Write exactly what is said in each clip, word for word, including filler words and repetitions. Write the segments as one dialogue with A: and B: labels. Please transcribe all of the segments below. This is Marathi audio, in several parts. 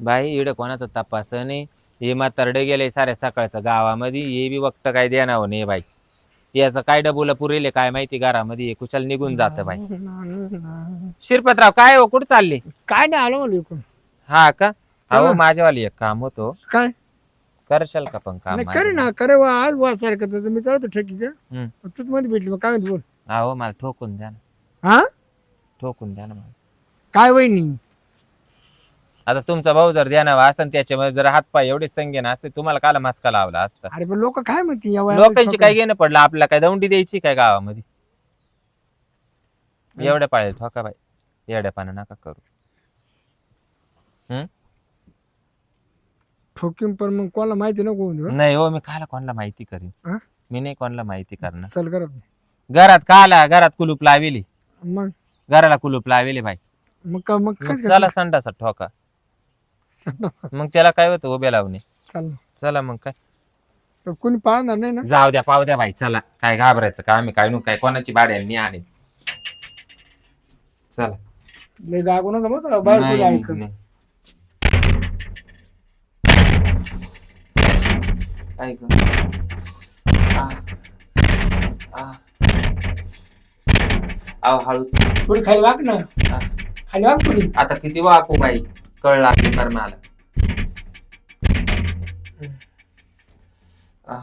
A: बाई इकडे कोणाचा तपास नाही. हे म्हातारडे गेले साऱ्या सकाळचं गावामध्ये, हे बी वक्त काय देणार नाही बाई. याचं काय डबुला पुरेले काय माहिती, घरामध्ये कुशल निघून जात बाई. शिरपतराव काय हो, कुठे चालले?
B: काय नाही आलो मला इकडून.
A: हा का?
B: चला.
A: अहो माझ्यावाली एक काम होतो,
B: काय
A: करशाल का पण काम
B: नाही
A: माझं?
B: करे ना करे वा आज वा सारखं तर मी चालतो ठेकी का
A: हम्म.
B: तूच मध्ये भेटली मग काय म्हणते बोल.
A: अहो मला ठोकून द्या ना,
B: हा
A: ठोकून द्या ना मला.
B: काय वहिनी
A: आता तुमचा भाऊ जर ध्यानावा असता त्याच्यामध्ये जर हातपाय एवढे संगेन असते, तुम्हाला काला मास्का लावला असता.
B: अरे पण लोक काय म्हणते या वयामध्ये
A: लोकांची
B: ठोका-
A: काय घेणं पडलं, आपल्याला काय दौंडी द्यायची काय गावामध्ये? एवढ्या पाळे ठोका बाई, एवढ्या पानं नका करू. हम्म
B: ठोकीम पण मग कोणाला माहिती नको होऊन देऊ, हं?
A: नाही हो, मी काला कोणाला माहिती करीन?
B: हा?
A: मी नाही कोणाला माहिती करणार.
B: चल करत
A: घरात काला, घरात कुलूप लावेली,
B: मग
A: घराला कुलूप लावेली बाई.
B: मग का मग
A: मग
B: काय
A: चला संडासा ठोका, मग त्याला काय होतं उभे लावणे.
B: चल
A: चला मग काय,
B: तर कोणी पाहणार नाही ना.
A: जाऊ द्या पाव द्या बाई, चला काय घाबरायचं का? आम्ही काय नु काय कोणाची भाड्यांनी आणि चला.
B: लय जागो नका मग बाहेर
A: नाही,
B: कोणी
A: नाही,
B: ऐकत.
A: नाही. ऐक. आ, आ. आव हळूच.
B: थोडी खाली वाक ना,
A: आ.
B: खाली वाक थोडी.
A: आता किती वाकू बाई, कळ लागली तर मला. आ.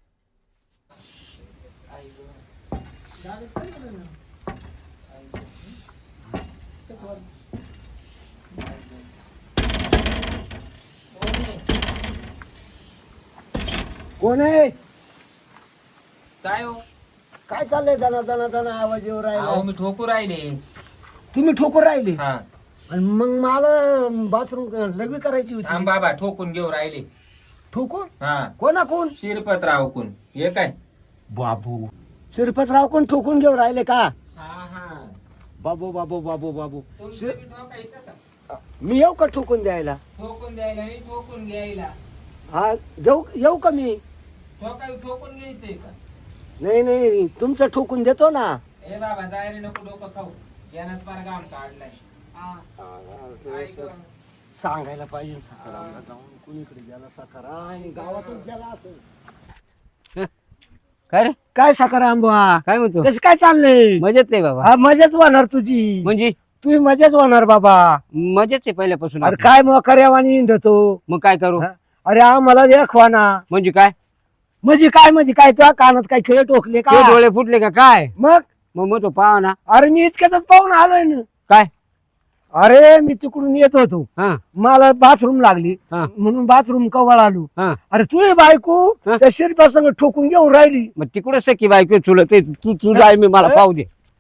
B: कोण आहे?
A: काय हो?
B: काय चाललंय दना दना दना आवाज येऊ
A: अहो
B: राहिला.
A: मी ठोकू राहिले.
B: तुम्ही ठोकून राहिले
A: हा
B: आणि मग मला बाथरूम लघवी करायची होती.
A: थांब बाबा, ठोकून घेऊ राहिले.
B: ठोकून
A: हा
B: कोणा कोण?
A: शिरपतराव कोण हे काय?
B: बाबू शिरपतराव कोण ठोकून घेऊ राहिले का?
A: हा हा
B: बाबू बाबू बाबू बाबू
A: तुमचं
B: शिर-
A: बी ठोकायचं का?
B: मी येऊ का ठोकून द्यायला?
A: ठोकून द्यायला नाही, ठोकून घ्यायला.
B: हा जाऊ येऊ का मी?
A: ठोकाय ठोकून घ्यायचंय का?
B: नाही नाही तुमचं ठोकून देतो ना.
A: ए बाबा जायला नको डोकं खाऊ, यानंच फार घाम काढलाय. हा. ऐक.
B: सांगायला पाहिजे सकारामला जाऊन कुणीकडे गेला सकारा आणि गावातच गेला असं.
C: काय रे
B: काय सकाराम बुवा
C: काय म्हणतो?
B: कसं काय चाललंय?
C: मजेत आहे बाबा.
B: हा मजाच होणार तुझी,
C: म्हणजे
B: तुम्ही मजाच होणार बाबा.
C: मजेत आहे पहिल्यापासून
B: अरे
C: आपलं.
B: काय मग कर्यावानी हिंडतो.
C: मग काय करू?
B: हा? अरे आम्हाला देखवा ना.
C: म्हणजे काय?
B: म्हणजे काय म्हणजे काय तुझ्या कानात काय खेळ टोकले
C: ते
B: का?
C: डोळे फुटले का काय?
B: मग
C: मग मग तो पाहा ना.
B: अरे मी इतक्यातच पाहून आलोय ना.
C: काय?
B: अरे मी तिकडून येत होतो,
C: हा
B: मला बाथरूम लागली
C: हा.
B: म्हणून बाथरूम कवळ आलो.
C: हा.
B: अरे तू बायको
C: हा.
B: त्या शिरप्यासंग ठोकून घेऊन राहिली.
C: मग तिकडे सखी बायको चुलत आहे. तू तू जाय, मी मला पाहू दे.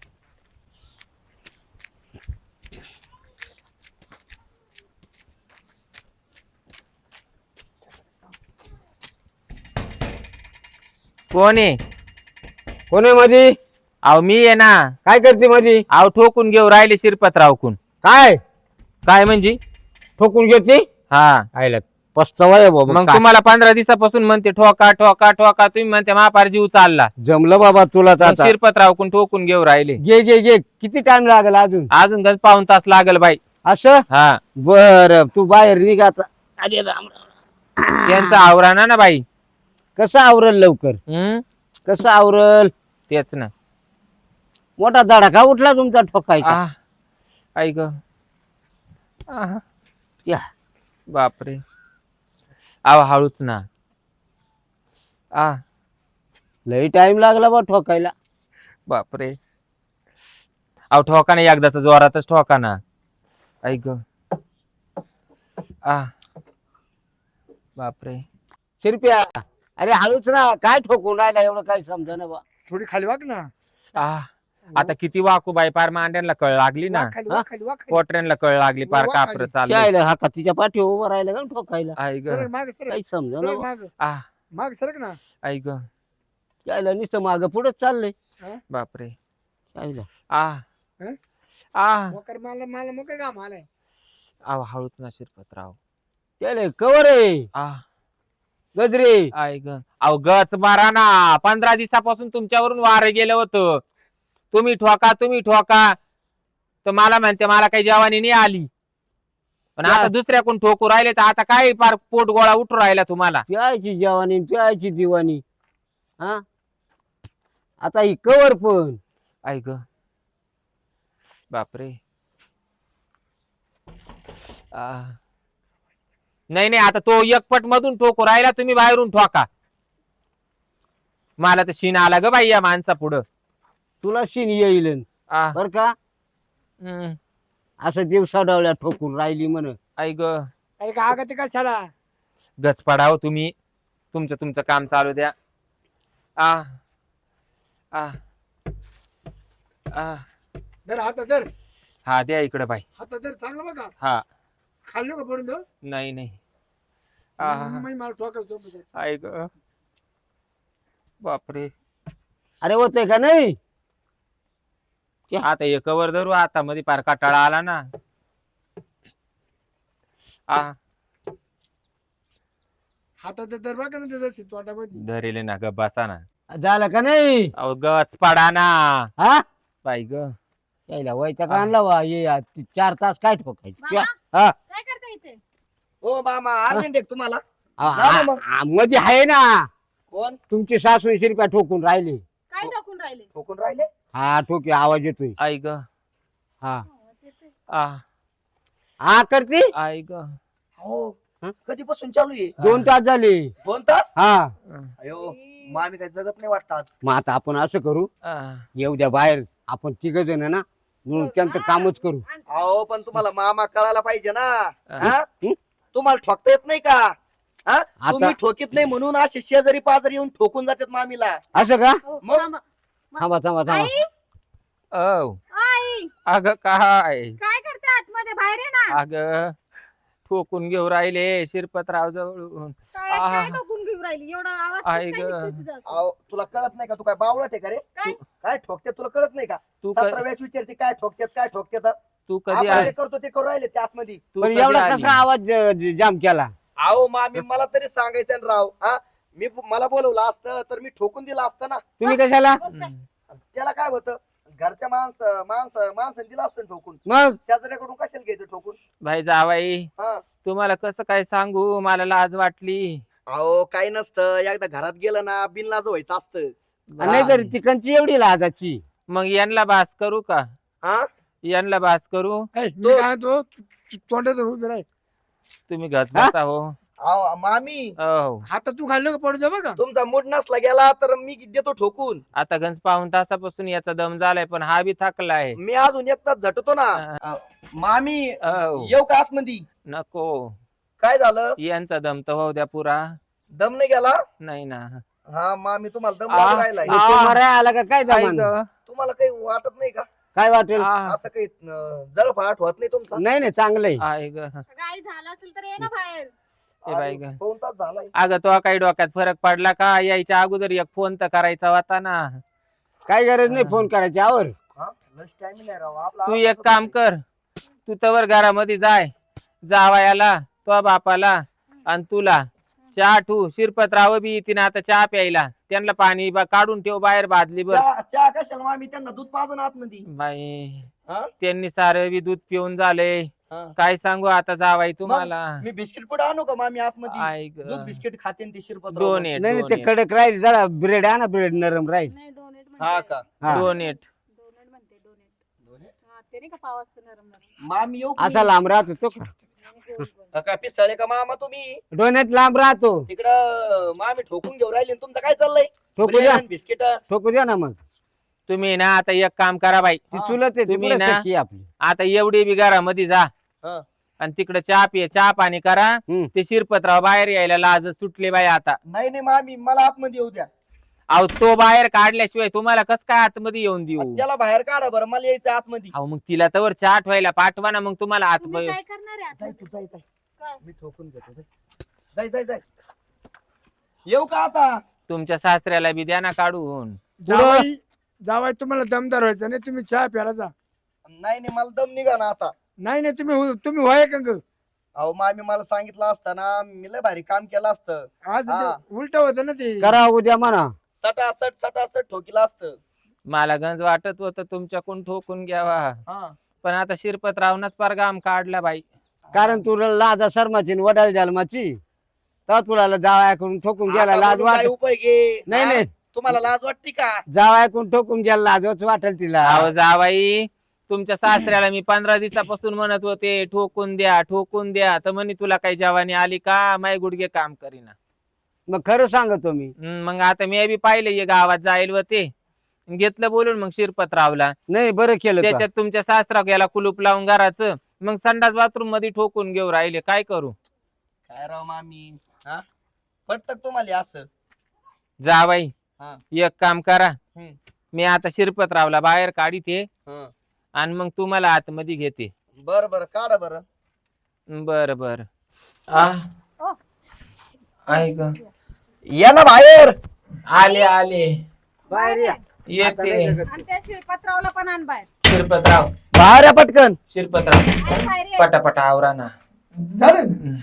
A: कोण आहे?
C: कोण आहे मध्ये?
A: अहो मी आहे ना.
C: काय करते मध्ये?
A: अहो ठोकून घेऊ राहिले शिरपतराव कोण.
C: काय
A: काय म्हणजे?
C: ठोकून घेते?
A: हा
C: आयला पस्तावा आहे बाबा.
A: मग
C: काय?
A: तुम्हाला पंधरा दिवसापासून म्हणते ठोका ठोका ठोका, तुम्ही म्हणते महापार जीव चालला.
C: जमलं बाबा तुला तर
A: मग
C: आता.
A: शिरपतराव कोण ठोकून घेऊ राहिले.
C: घे घे घे. किती टाइम लागेल अजून?
A: अजून गज पाऊन तास लागल बाई.
C: असं
A: हा
C: बर, तू बाहेर निघाचा. अरे राम राम.
A: त्यांचा आवराना ना बाई.
C: कसं आवरल लवकर?
A: हम्म
C: कसं आवरल?
A: तेच ना.
C: मोठा धडाका उठला तुमचा ठोकायचा.
A: आह, ऐक. आह,
C: या
A: बापरे. आव हळूच ना. आ
C: लई टाइम लागला बा ठोकायला.
A: बापरे. अहो ठोका ना एकदाच, जोरातच ठोका ना. ऐक. आ बापरे.
C: शिरप्या, अरे हळूच ना. काय ठोकून राहिला एवढं काही समजा ना बा.
B: थोडी खाली वाक ना.
A: आ आता किती वाकू बाई, पार मांड्यांना कळ लागली ना,
B: वाक खाली वाक खाली वाक खाली.
A: पोटऱ्यांना कळ लागली, पार
B: वा
A: कापर
B: खाली.
A: चाललं.
C: चायला हा का तिच्या पाठी उभं राहिला का ठोकायला?
A: ऐक.
B: सरळ माग सरळ
C: काही समजा ना
B: सरळ
C: बा.
B: माग
A: आ
B: माग सरक ना.
A: ऐक.
C: चायला नुसतं माग पुढे चाललंय.
A: बापरे.
C: चायला
A: आ
B: हं?
A: आ
B: मोकर मला मला मोकर काम आलाय.
A: आव हळूच ना शिरपतराव.
C: चायला कवर आहे
A: आ
C: गजरे.
A: ऐक. अहो गच मारा ना. पंधरा दिवसापासून तुमच्यावरून वार गेलं होतं. तुम्ही ठोका तुम्ही ठोका, तर मला म्हणते मला काही जवानी नाही आली. पण आता दुसऱ्याकडून ठोकू राहिले तर आता काय पार पोट गोळा उठू राहिला तुम्हाला.
C: त्याची जवानी त्याची दिवाणी. हा आता ही कवर पण
A: ऐक बापरे. आ. नाही नाही आता तो एकपट मधून ठोकू राहिला तुम्ही बाहेरून ठोका. मला तर शीन आला ग बाई या माणसा पुढं.
C: तुला शिन येईल
A: आ,
C: बर का.
A: हम्म,
C: असं दिवसा डावल्या ठोकून राहिली म्हण.
A: ऐक
B: अरे का ते कशाला
A: गच पडाव तुम्ही. तुमचं तुमचं काम चालू द्या. आ आ आ
B: धर हात धर
A: हा द्या इकडे बाई.
B: हात धर चांगलं बघा
A: हा
B: खाल्लो का पडून दो
A: नाही नाही. आ,
B: मला ठोकायचं
A: ऐक बापरे.
C: अरे होतंय का नाही.
A: आता एक कवर धरू आता मध्ये पार काटाळा आला ना. आ
B: हातात धर बघा ना त्याचा तोंडामध्ये
A: धरेले ना ग बसा ना.
C: झालं का नाही.
A: अहो गच पडा ना
C: हा
A: बाई ग.
C: यायला वैताग आणला वा ये आ, ती चार तास काय ठोकायची.
D: मामा,
C: हा
D: काय करता इथे?
B: ओ मामा अर्जंट आहे तुम्हाला
C: आ,
B: जा ना मग.
C: आ, मध्ये आहे ना
B: कोण
C: तुमची सासू रुपया ठोकून राहिले.
D: काय टाकून राहिले?
B: ठोकून राहिले
C: हा ठोके आवाज येतोय.
A: आई ग.
C: हा
D: आवाज येतोय.
A: आ
C: हा करते.
A: आई ग.
B: हो
C: हं?
B: कधीपासून चालू आहे
C: दोन तास झाले.
B: दोन तास
C: हा
B: अयो मामी काय जगत नाही वाटत आज
C: मग आता आपण असं करू
A: आ,
C: येऊ द्या बाहेर आपण तिघ जण ना म्हणून त्यांचं कामच करू.
B: अहो पण तुम्हाला मामा कळायला पाहिजे ना हा?
C: हं?
B: तुम्हाला ठोकता येत नाही का हा?
C: आता-
B: तुम्ही ठोकीत नाही म्हणून असे शेजारी पाजारी येऊन ठोकून जातात मामीला
C: असं का.
D: हो,
B: मग?
D: मामा.
C: थांबा थांबा थांबा.
D: आई,
A: औ
D: आई,
A: अग काय
D: काय करते आतमध्ये? बाहेर आहे ना.
A: अग ठोकून घेऊ राहिले शिरपतराव जवळून.
D: काय
A: आहा.
D: काय टाकून घेऊन राहिली? एवढा आवाज कसं
A: आई
D: काय
A: ग.
D: निघतोय तुझा असं?
B: अहो तुला कळत नाही का तू काय बावळत आहे का रे
D: काय?
B: काय ठोकते तुला कळत नाही का
A: तू क-
B: सतरा वेळेस विचारते काय ठोकतात काय ठोकतात
A: तू कधी
B: आपण
A: आली
B: जे करतो ते करू राहिले त्यात मध्ये
A: तू
C: पण
A: कधी
C: एवढा
A: आली?
C: कसा आवाज ज- ज- जाम केला.
B: अहो मामी मला तरी सांगायचं ना राव हा मी मला बोलवलं असतं तर मी ठोकून दिलं असतं ना
C: तुम्ही कशाला.
D: बोलताय.
A: हम्म.
B: त्याला काय होतं घरच्या माणसं माणसं माणसाने दिलं असतं ना ठोकून
C: मग
B: शेजाऱ्याकडून कशाला घ्यायचं ठोकून
A: भाई जावाई
B: हा
A: तुम्हाला कसं काय सांगू मला लाज वाटली.
B: अहो काही नसतं एकदा घरात गेलं ना बिनलाज व्हायचं असतं
C: नाही तर तिकडची एवढी लाजाची.
A: मग यांना बास करू का.
B: हा
A: यांना बास करू.
B: मी काय तो तोंडात उभे राह
A: तुम्ही घस
C: हा?
A: बसा हो.
B: अहो मामी
A: हो
B: आता तू खाल्लं का पडू दे बघा तुमचा मूड नसला गेला तर मी देतो ठोकून
A: आता गंज पाऊन तासापासून याचा दम झालाय पण हा बी थकलाय.
B: मी अजून एक तास झटतो ना अ, मामी
A: हो.
B: येऊ का आतमध्ये
A: नको
B: काय झालं
A: यांचा दम तर होऊ द्या पुरा.
B: दम नाही गेला
A: नाही ना.
B: हा मामी तुम्हाला दम
A: आ,
B: लागू राहिलाय
C: मग तो मराय आला का काय
A: आई
C: जमान.
A: ग.
B: तुम्हाला काही वाटत नाही का
C: काय वाटेल.
A: आ,
B: असं काही जळफाट होत नाही तुमचा
C: नाही नाही चांगलंय.
A: आई ग.
D: अगं आई, झालं असेल तर ये ना बाहेर.
A: ए बाई ग.
B: दोन तास झालाय
A: अगं तो काही डोक्यात फरक पडला का यायच्या अगोदर एक फोन तर करायचा होता ना.
C: काय गरज नाही फोन करायची आवर.
B: हा लस टाइम नाही राव आपला
A: तू एक काम कर तू तवर घरामध्ये जाय जावायाला तो बापाला आणि तुला चहा ठू शिरपतराव बी येते ना आता चहा प्यायला त्यांना पाणी बा- काढून ठेव बाहेर बादली बर.
B: चहा चहा कशाला मामी त्यांना दूध पाजन आतमध्ये
A: बाई
B: हा?
A: त्यांनी सारं बी दूध पिऊन झालंय.
B: हा.
A: काय सांगू आता जावाई तुम्हाला.
B: मी बिस्किट पुढे आणू का मामी आतमध्ये
A: आई
B: दूध
A: ग.
B: बिस्किट खाते ते शिरपत
A: डोनेट
C: नाही नाही ते कडक राहील जरा ब्रेड आहे ना ब्रेड नरम राहील.
D: नाही, डोनेट
B: हा
D: म्हणते.
B: का
C: हा.
A: डोनेट
D: डोनेट म्हणते, डोनेट. हा, ते नाही का पाव असतं नरम नरम.
B: मामी येऊ का
C: असा
B: मी?
C: लांब राहतो तो का?
D: आणि गोल गोल.
B: हा का पिसाळे का मामा तुम्ही
C: डोण्यात लांब राहतो.
B: तिकडं मामी ठोकून घेऊन राहिले तुमचं काय चाललंय
C: ठोकू द्या
B: बिस्किट
C: ठोकू द्या ना मग.
A: तुम्ही ना आता एक काम करा बाई
C: ती चुलत आहे
A: तुम्ही
C: तिकडे
A: ना-
C: सख्खी आपली.
A: आता एवढी बी घरामध्ये जा
B: हा.
A: आणि तिकडे चहा पिये चहा पाणी करा.
C: हम्म.
A: ते शिरपतराव बाहेर यायला लाज सुटले बाई आता.
B: नाही नाही मामी मला आतमध्ये येऊ द्या
A: अहो तो बाहेर काढल्याशिवाय तुम्हाला कस काय आतमध्ये येऊन देऊ.
B: त्याला बाहेर काढा बरं मला यायचं आतमध्ये
A: अहो मग तिला तवर चहा ठेवायला पाठवा ना मग तुम्हाला
D: तुम्ही
A: आत
D: काय करणार आहे
B: जाय
D: आता?
B: तू जाय जाय
D: काय?
B: मी ठोकून घेतो जाय जाय जाय जाय येऊ का आता
A: तुमच्या सासऱ्याला बी द्या ना काढून.
E: जावाई जावाई तुम्हाला दमदार व्हायचं नाही तुम्ही चहा प्यायला जा.
B: नाही नाही मला दम निघा ना आता
E: नाही नाही तुम्ही हो- तुम्ही व्हाय का ग?
B: अहो मामी मला सांगितलं असतं ना मी लय भारी काम केलं असतं
E: आज
B: हा.
E: उलट होतं ना ते.
C: करा उद्या म्हणा.
B: सटासट सटासट ठोकीला असतं
A: मला गंज वाटत होतं तुमच्याकडून ठोकून घ्यावा
B: हा
A: पण आता शिरपतरावनच पार गाम काढला बाई.
C: कारण तुला लाजा शर्माची वडाल जन्माची तर तुला जावयाकडून ठोकून गेला
F: आता
C: लाज
F: बोलून काय
C: वाट
F: उपयोगी
C: नाही
F: हा?
C: नाही
F: तुम्हाला लाज वाटते का?
C: जावयाकडून ठोकून गेला लाजच वाटेल तिला
A: अहो जावाई तुमच्या सासऱ्याला मी पंधरा दिवसापासून म्हणत होते ठोकून द्या ठोकून द्या तर म्हणे तुला काही जवानी आली का माय गुडघे काम करीना.
C: मग खरं सांगतो मी
A: हम्म, मग आता मी बी पाहिले गावात जाईल व ते घेतलं बोलून मग शिरपतरावला
C: नाही बरं केलं का?
A: त्याच्यात तुमच्या सासरा गेला कुलूप लावून घराचं मग संडास बाथरूम मध्ये ठोकून घेऊ राहिले काय करू.
F: काय राव मामी हा पटत तुम्हाला असं?
A: जावाई
F: हा.
A: एक काम करा
F: हम्म.
A: मी आता शिरपतरावला बाहेर काढीते
F: हं.
A: आणि मग तुम्हाला आतमध्ये घेते.
F: बर बर काढा बर.
A: बर बर
D: ओ.
A: ऐक
F: या ना बाहेर.
A: आले आले
C: बाहेर या.
A: येते
D: आणि त्या शिरपतरावला पण आण बाहेर.
A: शिरपतराव
C: बाहेर या पटकन.
A: शिरपतराव
D: आण बाहेर ये.
A: पटापटा आवरा ना.
E: झालं ना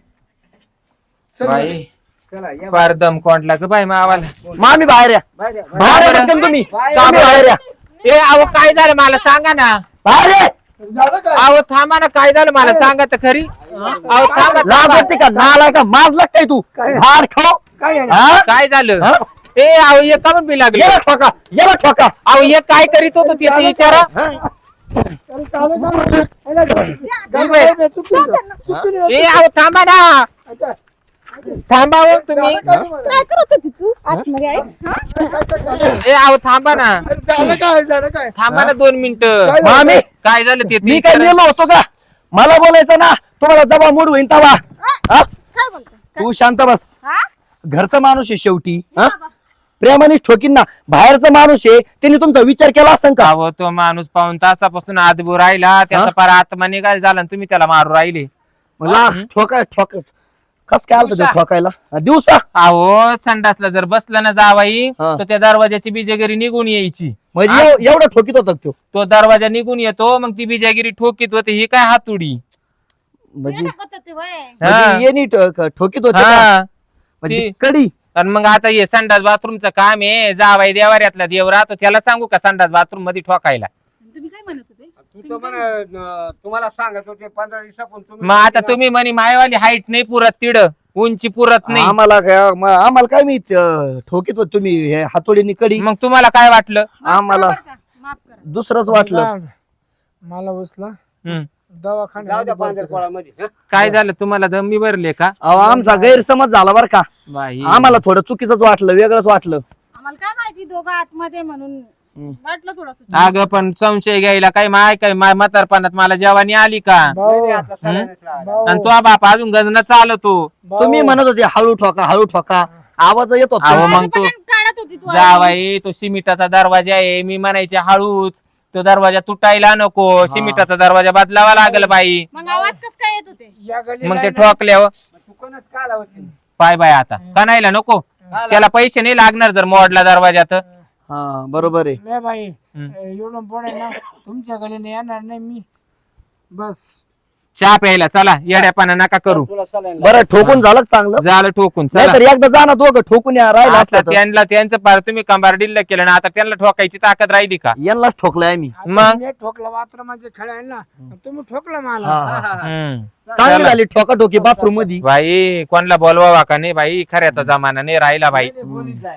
E: चल
A: बाई
C: चला, या
A: फार दम कोंडला ग बाई मावाला.
F: मामी बाहेर या.
C: बाहेर या.
F: बाहेर या पटकन तुम्ही.
C: बाहेर
F: तुम्ही बाहेर या.
A: ए अहो काय झालं मला सांगा ना.
F: बाहेर या.
E: झालं काय
A: अहो थांबा ना काय झालं मला सांगा तर खरी. अहो थांबा
F: लाज
A: थांबा.
F: वाटते का? नाला का माजला काय तू? भार खाऊ.
E: काय आहे?
F: हा?
A: काय झालं
F: हा?
A: ए अहो एक का बी लागले.
F: याला ठोका याला ठोका.
A: अहो एक काय करीत होतो ते ते विचारा.
E: अरे चालेल का? अरे गाडी काय चुकली का? चुकली का?
A: ए अहो थांबा ना
E: अच्छा.
A: थांबा हो तुम्ही.
E: झालं काय तुम्हाला?
D: काय करत होती तू आतमध्ये आई? हा?
E: काय- काय- काय-
A: ए अहो थांबा ना
E: अरे झालं काय झालं काय
A: थांबा ना दोन मिनिटं.
E: काय झालं?
F: मामी
A: काय झालं ते ते
F: मी काय
A: विचारा.
F: नेलो होतो का? मला बोलायचं ना तुम्हाला जबा मूड होईन तवा. हा?
D: काय बोलतोय?
F: तू शांत बस.
D: हा?
F: घरचा माणूस आहे शेवटी. हा?
D: बाबा.
F: प्रेमानेच ठोकीन ना. बाहेरचा माणूस आहे त्यांनी तुमचा विचार केला असेल का?
A: अहो तो माणूस पाऊन तासापासून आदबू राहिला त्याचा
F: हा?
A: पार आत्मा निघाल झाला आणि तुम्ही त्याला मारू राहिले.
F: मला ठोका ठोक कस काय आलं ते ठोकायला हा, दिवसा
A: अहो संडासला जर बसलं ना जावाई
F: हा.
A: तर त्या दरवाजाची बिजागिरी निघून यायची.
F: म्हणजे एव- एवढं ठोकीत होता तो.
A: तो दरवाजा निघून येतो मग ती बिजागिरी ठोकीत होते ही काय हातुडी.
F: म्हणजे
D: हे टाकत होती वय.
A: हा.
F: म्हणजे येणी ठो- ठोकीत होते का?
A: हा.
F: म्हणजे
A: ती-
F: कडी.
A: आणि मग आता हे संडास बाथरूमचं काम आहे जावाई देवाऱ्यातला देव राहतो त्याला सांगू का संडास बाथरूम मध्ये ठोकायला.
D: तुम्ही काय म्हणत होते?
C: तू तर म्हण, अं, तुम्हाला सांगत होते पंधरा दिवसापून तुम्ही
A: मग आता तुम्ही म्हणे मायवाली हाईट नाही पुरत तिड उंची पुरत नाही.
F: आम्हाला काय म- आम्हाला काय मी अं, ठोकीत होत तुम्ही हे हातोडीनी कडी.
A: मग तुम्हाला काय वाटलं.
D: माफ
F: आम्हाला
D: करा बरं का? माफ करा.
F: दुसरंच वाटलं.
E: मला- मला उचला
A: हम्म.
C: जाऊ द्या
E: दवाखान्यात
C: पांढरपोळामध्ये. हं?
A: काय झालं तुम्हाला दमी भरले का
F: अहो आमचा गैरसमज झाला बरं का.
A: बाई.
F: आम्हाला थोडं चुकीचंच वाटलं वेगळंच वाटलं.
D: आम्हाला काय माहिती दोघं आतमध्ये म्हणून
F: हम्म.
D: वाटलं थोडस.
A: अगं पण संशय घ्यायला काय माय काय माय म्हातारपणात मला जेवानी आली का.
E: भाऊ
C: नाही, नाही, आता सगळ्यांनाच लावायचं.
E: भाऊ
A: आणि तो बाप अजून गजन चालतो.
E: भाऊ,
F: तुम्ही म्हणत होते हळू ठोका हळू ठोका आवाज येत
A: अहो,
F: होता.
A: मग तू-
D: काढत होती तू.
A: जावाई तो सिमिटाचा दरवाजा आहे मी म्हणायचे हळूच तो दरवाजा तुटायला नको सिमिटाचा दरवाजा बदलावा लागल बाई.
D: मग आवाज कस काय येत होते?
E: या गल्लीला
A: मग ते
E: आहे ना,
A: ठोकल्यावर
C: तू कोणच का आला होती?
A: पाय बाय आता कणायला नको त्याला पैसे नाही लागणार जर मोडला दरवाजा तर.
F: हा बरोबर आहे.
E: लय बाई
A: हम्म.
E: एवढं पुढे ना तुमच्या गलीने येणार नाही मी बस.
A: चहा प्यायला चला येड्यापाना नका करू.
C: तुला सलाईन
F: बरं ठोकून झालं का चांगलं.
A: झालं ठोकून चला.
F: नाहीतर एकदा जा ना दोघं ठोकून या राहिला
A: आता
F: असलं तर.
A: त्यांना त्यांचं पार तुम्ही कंबार डिल्ल केलं ना आता त्यांना ठोकायची ताकद राहिली का.
F: यांनाच ठोकलाय आम्ही.
A: मग?
E: मी ठोकलं बाथरूमाचे खेळायला ना तुम्ही ठोकलं मला.
F: हा, हा.
A: हम्म.
F: चांगली
A: चला.
F: झाली ठोका ठोकी बाथरूम मध्ये.
A: बाई कोणला बोलवावा का नाही बाई खऱ्याचा जमाना नाही राहिला बाई.
C: बोलीत जाय.